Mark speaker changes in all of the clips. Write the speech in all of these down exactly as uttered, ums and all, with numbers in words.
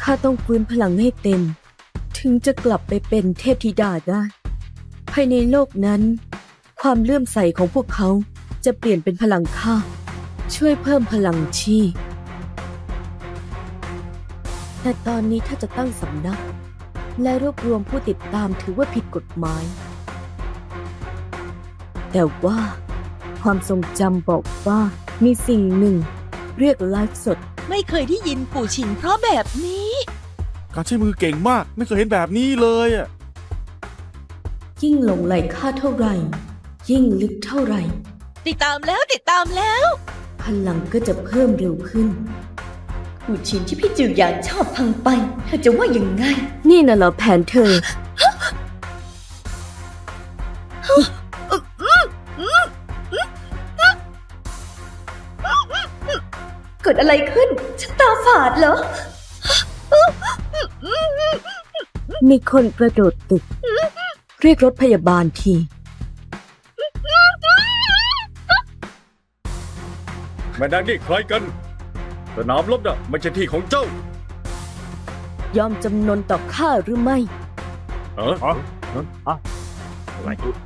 Speaker 1: ข้าต้องฟื้นพลังให้เต็มถึงจะกลับไปเป็นเทพธิดาได้ภายในโลกนั้นความเลื่อมใสของพวกเขาจะเปลี่ยนเป็นพลังข้าช่วยเพิ่มพลังชีพแต่ตอนนี้ถ้าจะตั้งสำนักและรวบรวมผู้ติดตามถือว่าผิดกฎหมายแต่ว่าความทรงจำบอกว่ามีสิ่งหนึ่งเรียกไลฟ์สด
Speaker 2: ไม่เคยได้ยินปู่ฉินเพราะแบบนี้
Speaker 3: การใช้มือเก่งมากไม่เคยเห็นแบบนี้เลยอ่ะ
Speaker 1: ยิ่งหลงไหลข้าเท่าไหร่ ยิ่งลึกเท่าไหร่
Speaker 2: ติดตามแล้วติดตามแล้ว
Speaker 1: พลังก็จะเพิ่มเร็วขึ้น
Speaker 2: ปู่ฉินที่พี่จือหยานชอบพังไปเธอจะว่ายังไง
Speaker 1: นี่น่ะเหรอแผนเธอ
Speaker 2: เกิดอะไรขึ้นฉันตาฝาดเหรอ
Speaker 1: มีคนกระโดดตึก เรียกรถพยาบาลที
Speaker 4: แม่นางนี่ใครกันสนามรบน่ะไม่ใช่ที่ของเจ้าย
Speaker 1: อมจำนนต่อข้าหรือไม่
Speaker 4: เออฮะอะไร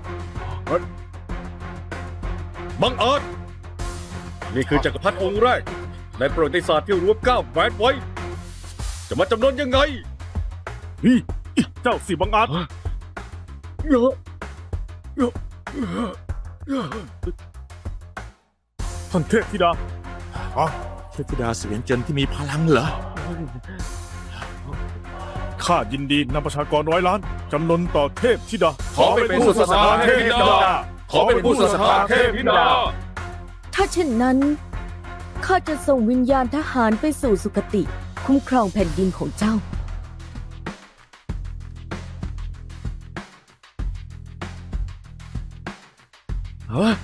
Speaker 4: บังอาจนี่คือจักรพรรดิองค์แรกในประวัติศาสตร์ที่รวมเก้าแหวนไว้ จะมาจำนนยังไง
Speaker 3: นี่เจ้าสิบังอาจ
Speaker 4: เยอะเยอะ
Speaker 3: ท่านเทพธิดาอ๋อเทพธิดาเสวียนเจินที่มีพลังเหรอข้ายินดีนำประชากรร้อยล้านจำนนต่อเทพธิดา
Speaker 4: ขอเป็นผู้สถาเทพธิดาขอเป็นผู้สถาเทพธิดา
Speaker 1: ถ้าเช่นนั้นข้าจะส่งวิญญาณทหารไปสู่สุคติ คุ้มครองแผ่นดินของเจ้า
Speaker 3: เฮ้ย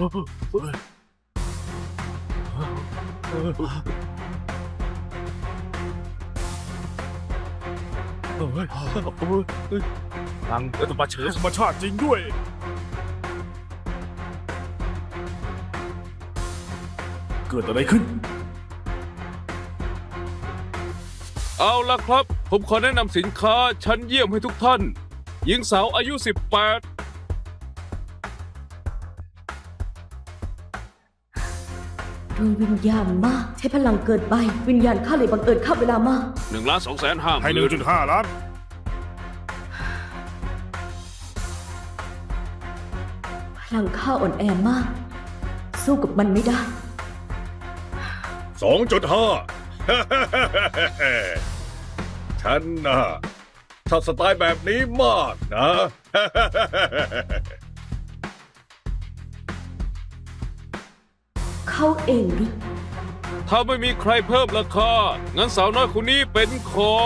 Speaker 3: ทางธรรมชาติธรรมชาติจริงด้วยเกิดอะไรขึ้น
Speaker 5: เอาล่ะครับ ผมขอแนะนำสินค้าชั้นเยี่ยมให้ทุกท่าน หญิงสาวอายุ สิบแปด
Speaker 1: ดวงวิญญาณมากใช้พลังเกินไป วิญญาณข้าเลยบังเอิญเข้าเวลามาก
Speaker 5: หนึ่งล้านสองแสนห้าห
Speaker 3: ให้หนึ่
Speaker 5: มื่
Speaker 3: ง
Speaker 5: น
Speaker 3: จุดห้าล้าน
Speaker 1: พลังข้าอ่อนแอมาก สู้กับมันไม่ได้
Speaker 4: สองจุดห้า ฉันน่ะชอบสไตล์แบบนี้มากนะ
Speaker 1: เขาเองหรือ
Speaker 5: ถ้าไม่มีใครเพิ่มราคา งั้นสาวน้อยคนนี้เป็นของ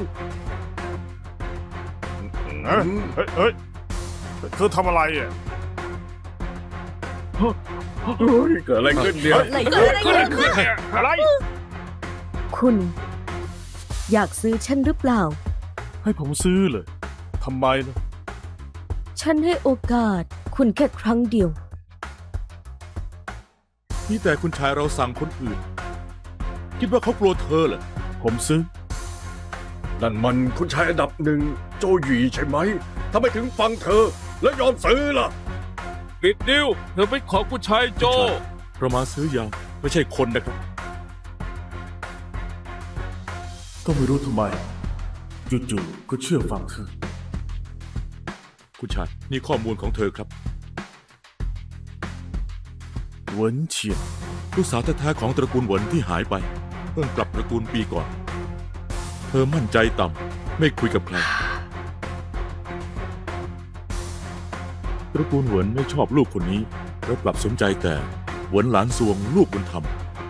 Speaker 3: เฮ้ยเฮ้ยเธอทำอะไรอ่ะ
Speaker 4: เกิดอะไรขึ้นเนี่ย
Speaker 1: อะไรกันอะไรกัน
Speaker 3: อะไร
Speaker 1: คุณ อยากซื้อฉันหรือเปล่า
Speaker 3: ให้ผมซื้อเลยทำไมล่ะ
Speaker 1: ฉันให้โอกาสคุณแค่ครั้งเดียว
Speaker 6: นี่แต่คุณชายเราสั่งคนอื่น คิดว่าเขากลัวเธอเหรอ
Speaker 3: ผมซื้อ
Speaker 4: นั่นมันคุณชายอันดับหนึ่งโจหยีใช่ไหมทำไมถึงฟังเธอ แล้วยอมซื้อล่ะ
Speaker 5: ปิดดิวเธอเป็นของผู้ชายโจ
Speaker 6: เรามาซื้อยาไม่ใช่คนนะครับ
Speaker 3: ก็ไม่รู้ทำไมจู่ๆก็เชื่อฟังเธอ
Speaker 6: คุณชายนี่ข้อมูลของเธอครับ
Speaker 3: เหวินเฉียน
Speaker 6: ลูกสาวแท้ๆของตระกูลเหวินที่หายไปเพิ่งกลับตระกูลปีก่อน เธอมั่นใจต่ำไม่คุยกับใคร ตระกูลเหวินไม่ชอบลูกคนนี้แล้วกลับสนใจแต่เหวินหลานซวงลูกบุญธรรม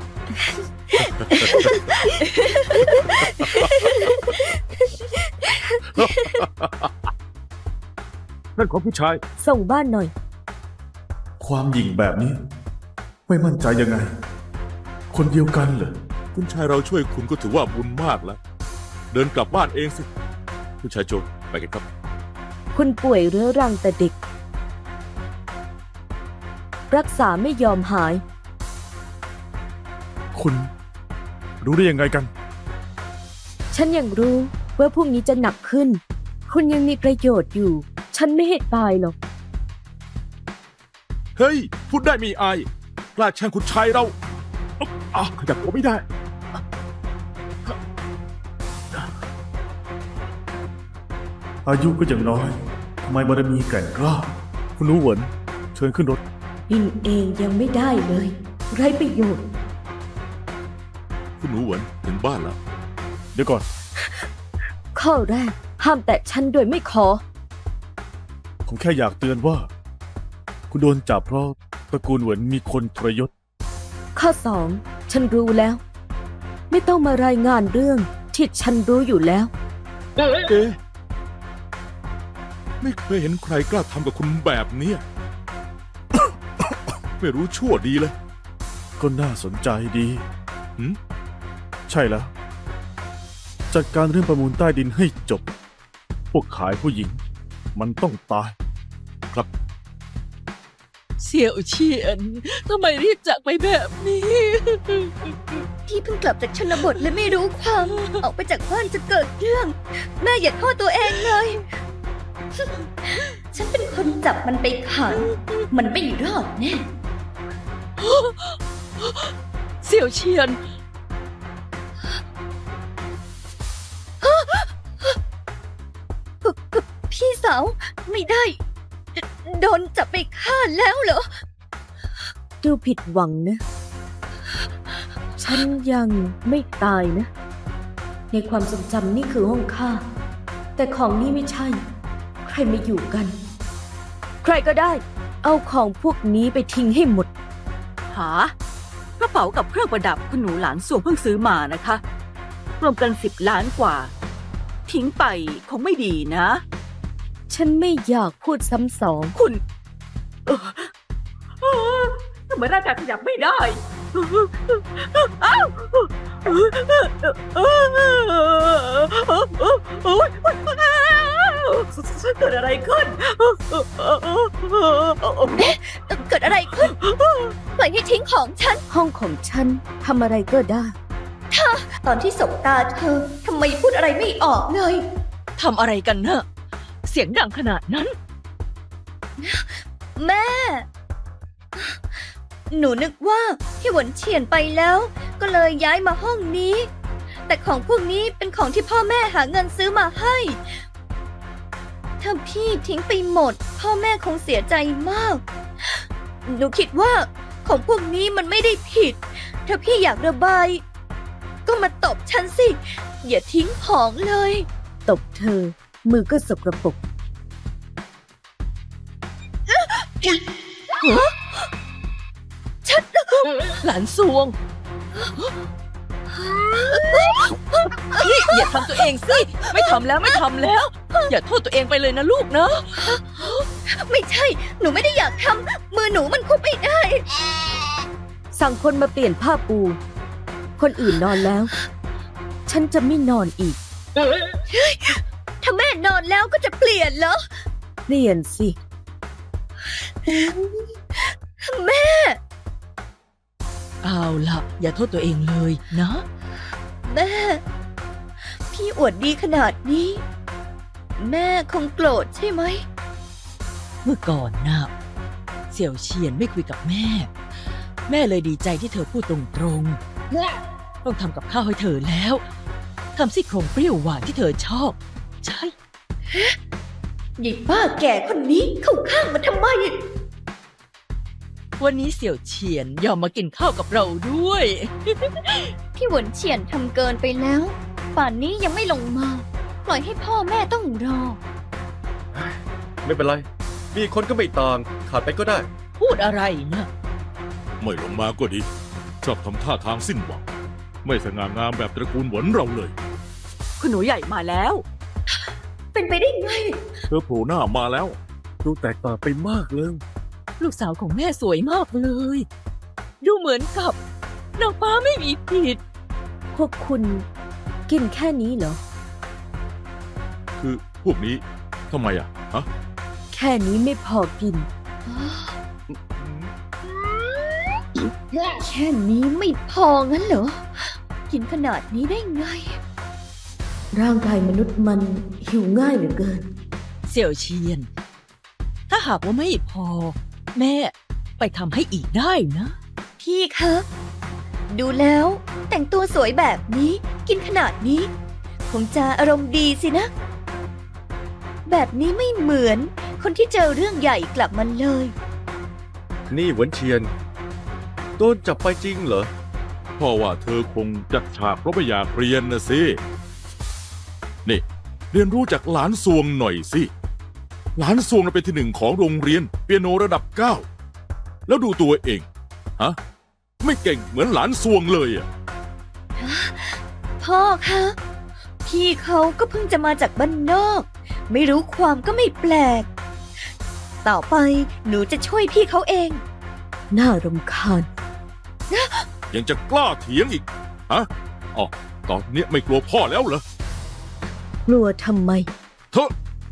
Speaker 3: นั่นของผู้ชาย
Speaker 1: ส่งบ้านหน่อย
Speaker 3: ความหยิ่งแบบนี้ ไม่มั่นใจยังไง คนเดียวกันเหรอ
Speaker 6: คุณชายเราช่วยคุณก็ถือว่าบุญมากแล้ว เดินกลับบ้านเองสิ คุณชายโจไปกันครับ
Speaker 1: คุณป่วยเรื้อรังแต่เด็ก รักษาไม่ยอมหาย
Speaker 3: คุณรู้ได้ยังไงกัน
Speaker 1: ฉันยังรู้ว่าพรุ่งนี้จะหนักขึ้น คุณยังมีประโยชน์อยู่ ฉันไม่ให้ตายหรอก
Speaker 6: เฮ้ย พูดได้มีอายกล้าแช่งคุณชายเราอ่ะขยับตัวไม่ได้
Speaker 3: อายุก็ยังน้อยทำไมบารมีแกร่งกล้า คุณหนูเหวินเชิญขึ้นรถ
Speaker 2: ลินเองยังไม่ได้เลย ไร้ประโยชน์
Speaker 6: คุณหนูเหวินถึงบ้านแล้ว
Speaker 3: เดี๋ยวก่อน
Speaker 1: ข้อแรก ห้ามแตะฉันโดยไม่ขอ
Speaker 3: ผมแค่อยากเตือนว่า คุณโดนจับเพราะตระกูลเหวินมีคนทรยศ
Speaker 1: ข้อสอง ฉันรู้แล้ว ไม่ต้องมารายงานเรื่องที่ฉันรู้อยู่แล้ว
Speaker 6: เอ๊ะไม่เคยเห็นใครกล้าทำกับคุณแบบเนี้ย ไม่รู้ชั่วดีเลย
Speaker 3: ก็น่าสนใจดี
Speaker 6: หืม
Speaker 3: ใช่แล้ว จัดการเรื่องประมูลใต้ดินให้จบ พวกขายผู้หญิง มันต้องตาย
Speaker 7: เสี่ยวเฉียน ทำไมรีบจากไปแบบนี้
Speaker 2: พี่เพิ่งกลับจากชนบทและไม่รู้ความ ออกไปจากบ้านจะเกิดเรื่อง แม่อย่าโทษตัวเองเลย ฉันเป็นคนจับมันไปขัง มันไม่รอดแน่
Speaker 7: เสี่ยวเฉียน
Speaker 2: พี่สาวไม่ได้ โดนจับไปฆ่าแล้วเหรอ
Speaker 1: ดูผิดหวังนะ ฉันยังไม่ตายนะ ในความทรงจำนี่คือห้องข้า แต่ของนี่ไม่ใช่ ใครมาอยู่กัน ใครก็ได้ เอาของพวกนี้ไปทิ้งให้หมด
Speaker 8: หากระเป๋ากับเครื่องประดับคุณหนูหลานส่วงเพิ่งซื้อมานะคะ รวมกันสิบล้านกว่า ทิ้งไปคงไม่ดีนะ
Speaker 1: ฉันไม่อยากพูดซ้ำสอง
Speaker 8: คุณเอ่อเอ่อทำไมร่างกายขยับไม่ได้อ้าวเกิดอะไรขึ้น
Speaker 2: เกิดอะไรขึ้น ปล่อยให้ทิ้งของฉัน
Speaker 1: ห้องของฉันทำอะไรก็ได้
Speaker 2: ตอนที่สบตาเธอทำไมพูดอะไรไม่ออกเลย
Speaker 7: ทำอะไรกันเนอะเสียงดังขนาดนั้น
Speaker 2: แม่ หนูนึกว่าพี่หวนเฉียนไปแล้ว ก็เลยย้ายมาห้องนี้ แต่ของพวกนี้เป็นของที่พ่อแม่หาเงินซื้อมาให้ ถ้าพี่ทิ้งไปหมด พ่อแม่คงเสียใจมาก หนูคิดว่าของพวกนี้มันไม่ได้ผิด ถ้าพี่อยากระบาย ก็มาตบฉันสิ อย่าทิ้งของเลย
Speaker 1: ตบเธอ มือก็สกรปรก
Speaker 7: หลานสวง นี่อย่าทำตัวเองสิ ไม่ทำแล้วไม่ทำแล้ว อย่าโทษตัวเองไปเลยนะลูกนะ
Speaker 2: ไม่ใช่ หนูไม่ได้อยากทำ มือหนูมันคุบไม่ได้
Speaker 1: สั่งคนมาเปลี่ยนผ้าปู คนอื่นนอนแล้ว ฉันจะไม่นอนอีก
Speaker 2: ถ้าแม่นอนแล้วก็จะเปลี่ยนเหรอ
Speaker 1: เปลี่ยนสิ
Speaker 2: แม่
Speaker 7: เอาล่ะ อย่าโทษตัวเองเลยนะ
Speaker 2: แม่ พี่อวดดีขนาดนี้ แม่คงโกรธใช่ไหม
Speaker 7: เมื่อก่อนนะเสี่ยวเฉียนไม่คุยกับแม่ แม่เลยดีใจที่เธอพูดตรงๆ ต้องทำกับข้าวให้เธอแล้วทำซี่โครงเปรี้ยวหวานที่เธอชอบ ใช่
Speaker 2: หยิบป้าแก่คนนี้เข้าข้างมันทำไม
Speaker 7: วันนี้เสี่ยวเฉียนยอมมากินข้าวกับเราด้วย
Speaker 2: พี่หวนเฉียนทำเกินไปแล้ว ป่านนี้ยังไม่ลงมา ปล่อยให้พ่อแม่ต้องรอ
Speaker 4: ไม่เป็นไร มีคนก็ไม่ต่าง ขาดไปก็ได้
Speaker 7: พูดอะไรนะ
Speaker 6: ไม่ลงมาก็ดี ชอบทำท่าทางสิ้นหวัง ไม่สง่างามแบบตระกูลหวนเราเลย
Speaker 8: คุณหนูใหญ่มาแล้ว
Speaker 2: เป็นไปได้ไง
Speaker 6: เธอโผล่หน้ามาแล้ว
Speaker 4: ดูแตกต่างไปมากเลย
Speaker 7: ลูกสาวของแม่สวยมากเลย ดูเหมือนกับนางฟ้าไม่มีผิด
Speaker 1: พวกคุณกินแค่นี้เหรอ
Speaker 6: คือพวกนี้ทำไมอ่ะ ฮะ
Speaker 1: แค่นี้ไม่พอกิน
Speaker 2: แค่นี้ไม่พองั้นเหรอ กินขนาดนี้ได้ไง
Speaker 1: ร่างกายมนุษย์มันหิวง่ายเหลือเกิน
Speaker 7: เสี่ยวเชียน ถ้าหากว่าไม่พอ แม่ไปทำให้อีกได้นะ
Speaker 2: พี่คะดูแล้วแต่งตัวสวยแบบนี้กินขนาดนี้ คงจะอารมณ์ดีสินะ แบบนี้ไม่เหมือนคนที่เจอเรื่องใหญ่กลับมาเลย
Speaker 4: นี่เหวินเฉียน โดนจับไปจริงเหรอ
Speaker 6: พ่อว่าเธอคงจัดฉากเพราะไม่อยากเรียนนะสิ นี่ เรียนรู้จากหลานซวงหน่อยสิ หลานซวงน่ะเป็นที่หนึ่งของโรงเรียนเปียโนระดับเก้า แล้วดูตัวเอง ฮะ ไม่เก่งเหมือนหลานซวงเลยอ่ะ
Speaker 2: พ่อคะพี่เขาก็เพิ่งจะมาจากบ้านนอก ไม่รู้ความก็ไม่แปลก ต่อไปหนูจะช่วยพี่เขาเอง
Speaker 1: น่ารำคาญ
Speaker 6: ยังจะกล้าเถียงอีก ฮะ อ๋อ ตอนเนี้ยไม่กลัวพ่อแล้วเหรอ
Speaker 1: กลัวทำไม
Speaker 6: เธอ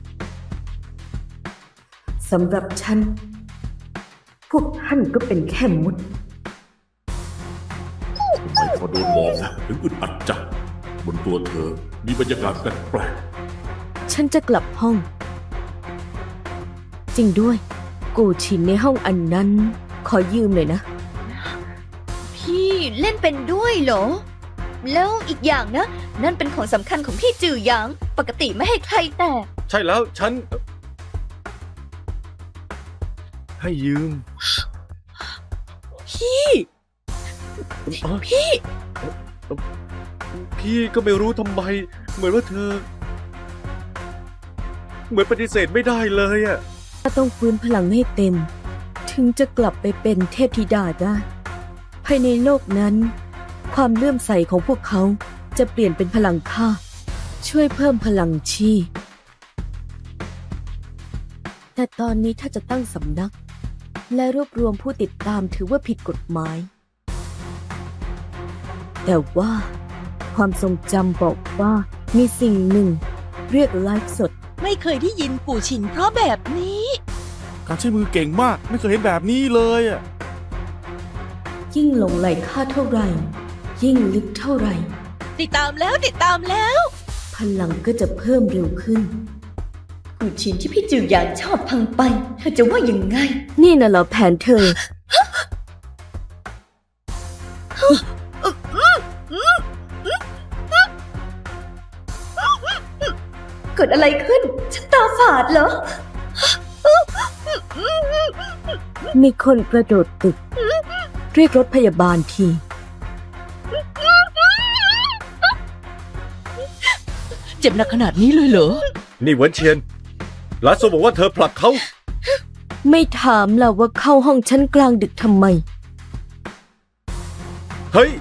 Speaker 1: สำหรับฉัน พวกท่านก็เป็นแค่มด
Speaker 6: ทำไมพอโดนมองนะถึงอึดอัดจังบนตัวเธอมีบรรยากาศแปลก
Speaker 1: ฉันจะกลับห้อง จริงด้วย กูชินในห้องอันนั้น ขอยืมหน่อยนะ
Speaker 2: พี่เล่นเป็นด้วยเหรอ แล้วอีกอย่างนะ นั่นเป็นของสำคัญของพี่จือหยาง ปกติไม่ให้ใครแตะ
Speaker 4: ใช่แล้วฉัน ให้ยืม
Speaker 2: พี่
Speaker 4: อ๋อ
Speaker 2: พี่
Speaker 4: พี่ก็ไม่รู้ทำไม เหมือนว่าเธอ เหมือนปฏิเสธไม่ได้เลยอะ
Speaker 1: ถ้าต้องฟื้นพลังให้เต็ม ถึงจะกลับไปเป็นเทพธิดาได้ ภายในโลกนั้น ความเลื่อมใสของพวกเขาจะเปลี่ยนเป็นพลังค่า ช่วยเพิ่มพลังชีพแต่ตอนนี้ถ้าจะตั้งสำนัก และรวบรวมผู้ติดตามถือว่าผิดกฎหมาย แต่ว่าความทรงจำบอกว่ามีสิ่งหนึ่ง เรียกไลฟ์สด
Speaker 7: ไม่เคยได้ยินปู่ชินเพราะแบบนี้
Speaker 3: การใช้มือเก่งมาก ไม่เคยเห็นแบบนี้เลยอ่ะ
Speaker 1: ยิ่งหลงไหลค่าเท่าไหร่ ยิ่งลึกเท่าไหร่
Speaker 7: ติดตามแล้วติดตามแล้ว
Speaker 1: พลังก็จะเพิ่มเร็วขึ้น
Speaker 2: กูชินที่พี่จือหยางชอบพังไป เธอจะว่ายังไง
Speaker 1: นี่น่ะเหรอแผนเธอ
Speaker 2: เกิดอะไรขึ้น ฉันตาฝาดเหรอ
Speaker 1: มีคนกระโดดตึก เรียกรถพยาบาลที
Speaker 7: เจ็บหนักขนาดนี้เลยเหรอ
Speaker 4: นี่เหวินเฉียน หลานโซบอกว่าเธอผลักเขา
Speaker 1: ไม่ถามล่ะว่าเข้าห้องฉันกลางดึกทำไม
Speaker 4: เฮ้ย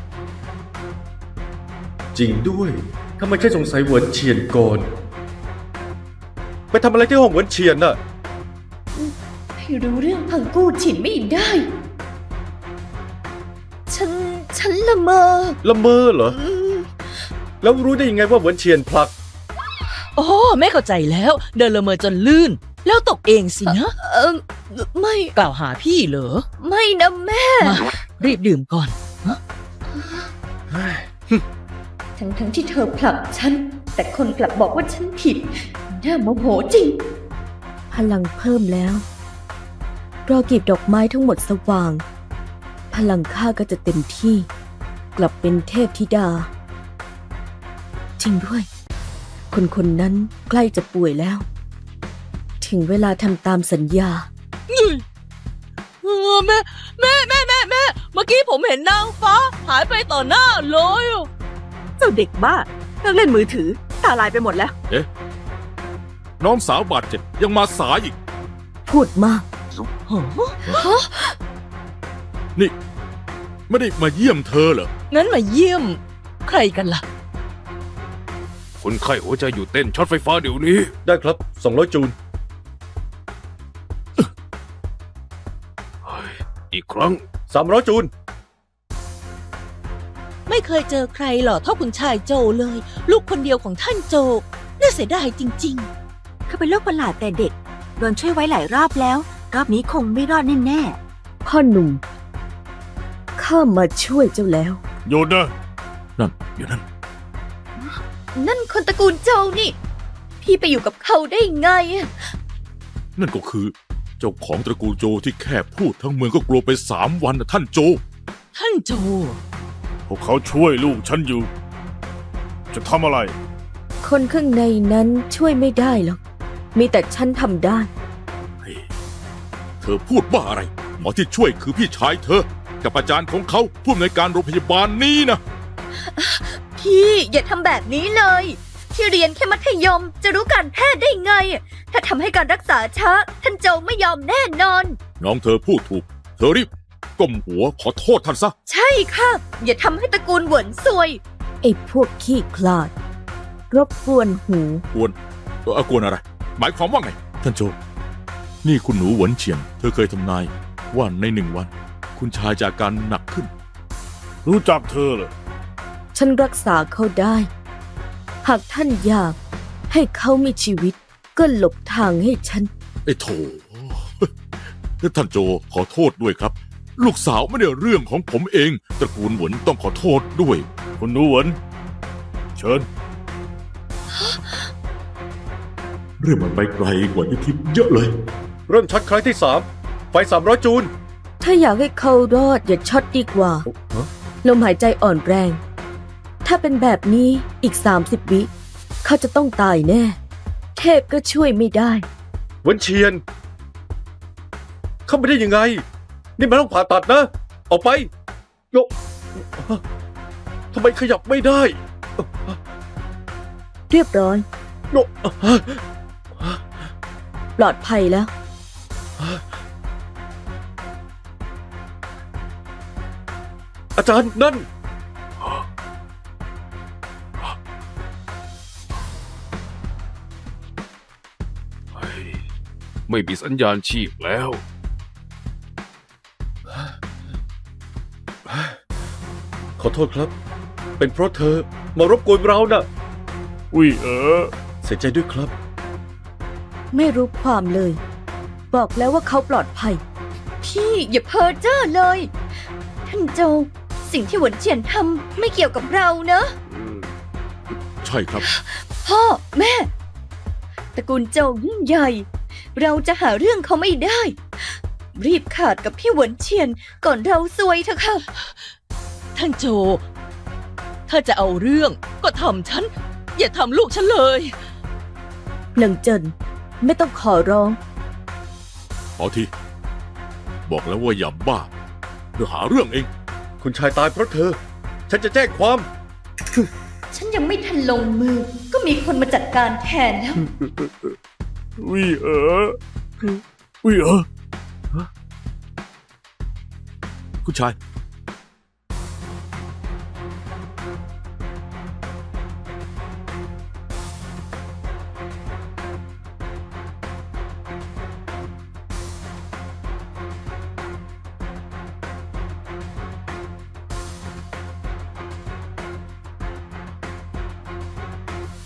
Speaker 4: จริงด้วยทำไมแค่สงสัยเหวินเฉียนก่อน ไปทำอะไรที่ห้องเหวินเฉียนน่ะ
Speaker 2: ให้รู้เรื่องพังกู้ฉินไม่ได้ ฉัน ฉันละเมอ
Speaker 4: ละเมอเหรอ
Speaker 2: อืม
Speaker 4: แล้วรู้ได้ยังไงว่าเหวินเฉียนผลัก
Speaker 7: โอ้แม่เข้าใจแล้ว เดินละเมอจนลื่น แล้วตกเองสินะ
Speaker 2: เออไม่
Speaker 7: กล่าวหาพี่เหรอ
Speaker 2: ไม่นะแม่
Speaker 7: มารีบดื่มก่อน
Speaker 2: ทั้งทั้งที่เธอผลักฉัน แต่คนกลับบอกว่าฉันผิด น่าโมโหจริง
Speaker 1: พลังเพิ่มแล้ว รอกีบดอกไม้ทั้งหมดสว่าง พลังข้าก็จะเต็มที่ กลับเป็นเทพธิดา จริงด้วย คนคนนั้นใกล้จะป่วยแล้ว ถึงเวลาทำตามสัญญา
Speaker 7: เออแม่แม่แม่แม่แม่เมื่อกี้ผมเห็นนางฟ้า หายไปต่อหน้าเลยอะ
Speaker 8: เจ้าเด็กบ้าเลิกเล่นมือถือ ตาลายไปหมดแล้ว
Speaker 6: น้องสาวบาดเจ็บยังมาสายอีก
Speaker 1: พูดมาก
Speaker 7: ฮะ
Speaker 6: นี่ ไม่ได้มาเยี่ยมเธอเหรอ
Speaker 7: งั้นมาเยี่ยม ใครกันล่ะ
Speaker 5: คนไข้หัวใจหยุดเต้นช็อตไฟฟ้าเดี๋ยวนี้
Speaker 4: ได้ครับสองร้อยจูน
Speaker 5: อีกครั้ง
Speaker 4: สามร้อยจูน
Speaker 7: ไม่เคยเจอใครหล่อเท่าคุณชายโจเลย ลูกคนเดียวของท่านโจ น่าเสียดายจริง
Speaker 8: เขาเป็นโรคประหลาดแต่เด็ก โดนช่วยไว้หลายรอบแล้ว รอบนี้คงไม่รอดแน่
Speaker 1: พ่อหนุ่ม ข้ามาช่วยเจ้าแล้ว
Speaker 3: โยนนะ
Speaker 6: นั่นอยู่นั่น
Speaker 2: นั่นคนตระกูลโจวนี่ พี่ไปอยู่กับเขาได้ไงอะ
Speaker 6: นั่นก็คือ เจ้าของตระกูลโจที่แค่พูดทั้งเมืองก็กลัวไปสามวันนะท่านโจ
Speaker 7: ท่านโจ
Speaker 3: พวกเขาช่วยลูกฉันอยู่ จะทำอะไร
Speaker 1: คนข้างในนั้นช่วยไม่ได้หรอก มีแต่ฉันทำได้
Speaker 6: เธอพูดบ้าอะไร หมอที่ช่วยคือพี่ชายเธอ กับอาจารย์ของเขาผู้อำนวยการโรงพยาบาลนี้นะ
Speaker 2: พี่อย่าทำแบบนี้เลย ที่เรียนแค่มัธยมจะรู้การแพทย์ได้ไง ถ้าทำให้การรักษาช้า ท่านโจวไม่ยอมแน่นอน
Speaker 6: น้องเธอพูดถูก เธอรีบก้มหัวขอโทษท่านซะ
Speaker 2: ใช่ค่ะ อย่าทำให้ตระกูลเหวินซวย
Speaker 1: ไอ้พวกขี้คลาด รบกวนหู
Speaker 6: กวนเออกวนอะไร หมายความว่าไง ท่านโจ นี่คุณหนูหวนเฉียน เธอเคยทำนายว่าในหนึ่งวัน คุณชายจะอาการหนักขึ้น
Speaker 3: รู้จักเธอเหรอ
Speaker 1: ฉันรักษาเขาได้ หากท่านอยากให้เขามีชีวิต ก็หลบทางให้ฉัน
Speaker 6: ไอ้โถ ท่านโจขอโทษด้วยครับ ลูกสาวไม่ได้เรื่องของผมเอง ตระกูลหวนต้องขอโทษด้วย
Speaker 3: คุณหนูเหวินเชิญ
Speaker 6: เรื่องมันไปไกลกว่าที่คิดเยอะเลย
Speaker 4: เริ่มช็อตครั้งที่สามไฟสามร้อยจูล
Speaker 1: ถ้าอยากให้เขารอดอย่าช็อตดีกว่า
Speaker 4: ฮะ
Speaker 1: ลมหายใจอ่อนแรง ถ้าเป็นแบบนี้อีกสามสิบวิ เขาจะต้องตายแน่ เทพก็ช่วยไม่ได้
Speaker 4: หวนเชียน เข้าไปได้ยังไง นี่มันต้องผ่าตัดนะ ออกไปโยทำไมขยับไม่ได้
Speaker 1: เรียบร้อย
Speaker 4: โย
Speaker 1: ปลอดภัยแล้ว
Speaker 4: อาจารย์นั่น
Speaker 5: ไม่มีสัญญาณชีพแล้ว
Speaker 4: ขอโทษครับ เป็นเพราะเธอมารบกวนเราน่ะ
Speaker 3: อุ้ยเออ
Speaker 4: เสียใจด้วยครับ
Speaker 1: ไม่รู้ความเลย บอกแล้วว่าเขาปลอดภัย
Speaker 2: พี่อย่าเพ้อเจ้อเลย ท่านโจวสิ่งที่หวนเฉียนทำไม่เกี่ยวกับเรานะ
Speaker 6: ใช่ครับ
Speaker 2: พ่อแม่ตระกูลโจวยิ่งใหญ่ เราจะหาเรื่องเขาไม่ได้ รีบขาดกับพี่หวนเฉียนก่อนเราซวยเถอะค่ะ
Speaker 7: ท่านโจ ถ้าจะเอาเรื่องก็ทำฉัน อย่าทำลูกฉันเลย
Speaker 1: หลังเจินไม่ต้องขอร้อง
Speaker 6: ขอที บอกแล้วว่าอย่าบ้าเดี๋ยวหาเรื่องเอง
Speaker 4: คุณชายตายเพราะเธอ ฉันจะแจ้งความ
Speaker 2: ฉันยังไม่ทันลงมือ ก็มีคนมาจัดการแทนแล้ว
Speaker 3: อุ้ยเออ อุ้ยเออ
Speaker 6: คุณชาย